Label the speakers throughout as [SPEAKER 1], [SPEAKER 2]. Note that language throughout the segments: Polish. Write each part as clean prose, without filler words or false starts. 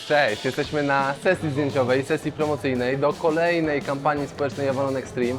[SPEAKER 1] Cześć, jesteśmy na sesji zdjęciowej, sesji promocyjnej do kolejnej kampanii społecznej Avalon Extreme.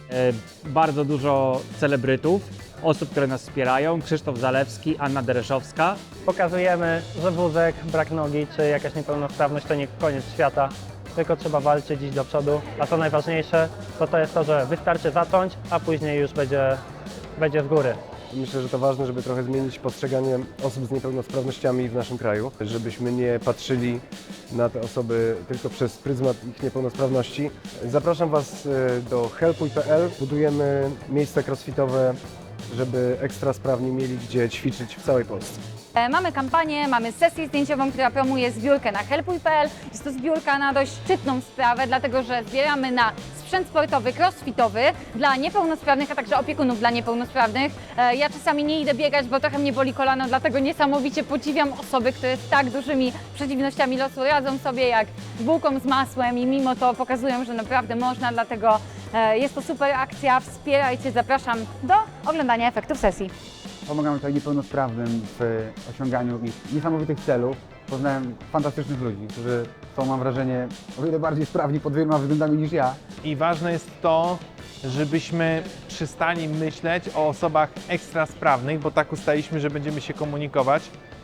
[SPEAKER 2] Bardzo dużo celebrytów, osób, które nas wspierają. Krzysztof Zalewski, Anna Dereszowska.
[SPEAKER 3] Pokazujemy, że wózek, brak nogi czy jakaś niepełnosprawność to nie koniec świata, tylko trzeba walczyć, iść do przodu. A co najważniejsze, to jest to, że wystarczy zacząć, a później już będzie z góry.
[SPEAKER 4] Myślę, że to ważne, żeby trochę zmienić postrzeganie osób z niepełnosprawnościami w naszym kraju, żebyśmy nie patrzyli na te osoby tylko przez pryzmat ich niepełnosprawności. Zapraszam Was do helpuj.pl. Budujemy miejsca crossfitowe, żeby ekstra sprawni mieli gdzie ćwiczyć w całej Polsce.
[SPEAKER 5] Mamy kampanię, mamy sesję zdjęciową, która promuje zbiórkę na helpuj.pl. Jest to zbiórka na dość szczytną sprawę, dlatego że zbieramy na sprzęt sportowy, crossfitowy dla niepełnosprawnych, a także opiekunów dla niepełnosprawnych. Ja czasami nie idę biegać, bo trochę mnie boli kolano, dlatego niesamowicie podziwiam osoby, które z tak dużymi przeciwnościami losu radzą sobie jak z bułką z masłem i mimo to pokazują, że naprawdę można, dlatego jest to super akcja. Wspierajcie, zapraszam do oglądania efektów sesji.
[SPEAKER 6] Pomagamy tutaj niepełnosprawnym w osiąganiu ich niesamowitych celów. Poznałem fantastycznych ludzi, którzy są, mam wrażenie, o wiele bardziej sprawni pod wieloma względami niż ja.
[SPEAKER 7] I ważne jest to, żebyśmy przestali myśleć o osobach ekstra sprawnych, bo tak ustaliśmy, że będziemy się komunikować,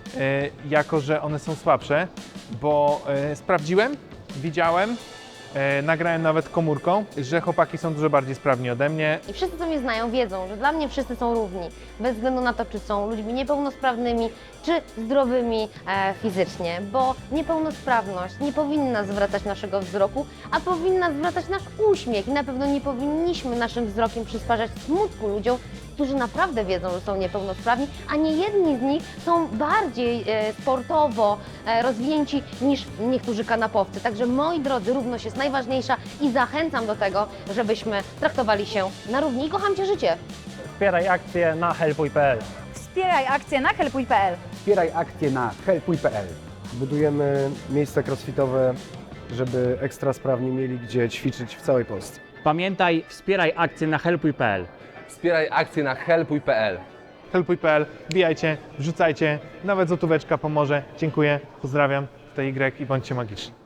[SPEAKER 7] jako że one są słabsze, bo sprawdziłem, widziałem, nagrałem nawet komórką, że chłopaki są dużo bardziej sprawni ode mnie.
[SPEAKER 8] I wszyscy, co mnie znają, wiedzą, że dla mnie wszyscy są równi, bez względu na to, czy są ludźmi niepełnosprawnymi, czy zdrowymi fizycznie, bo niepełnosprawność nie powinna zwracać naszego wzroku, a powinna zwracać nasz uśmiech i na pewno nie powinniśmy naszym wzrokiem przysparzać smutku ludziom, którzy naprawdę wiedzą, że są niepełnosprawni, a nie jedni z nich są bardziej sportowo rozwinięci niż niektórzy kanapowcy. Także moi drodzy, równość jest najważniejsza i zachęcam do tego, żebyśmy traktowali się na równi i kocham Cię życie.
[SPEAKER 3] Wspieraj akcję na helpuj.pl.
[SPEAKER 5] Wspieraj akcję na helpuj.pl.
[SPEAKER 6] Wspieraj akcję na helpuj.pl.
[SPEAKER 4] Budujemy miejsca crossfitowe, żeby ekstra sprawni mieli gdzie ćwiczyć w całej Polsce.
[SPEAKER 2] Pamiętaj, wspieraj akcję na helpuj.pl.
[SPEAKER 1] Wspieraj akcję na helpuj.pl.
[SPEAKER 7] Helpuj.pl, wbijajcie, wrzucajcie, nawet złotóweczka pomoże. Dziękuję, pozdrawiam, tutaj Y i bądźcie magiczni.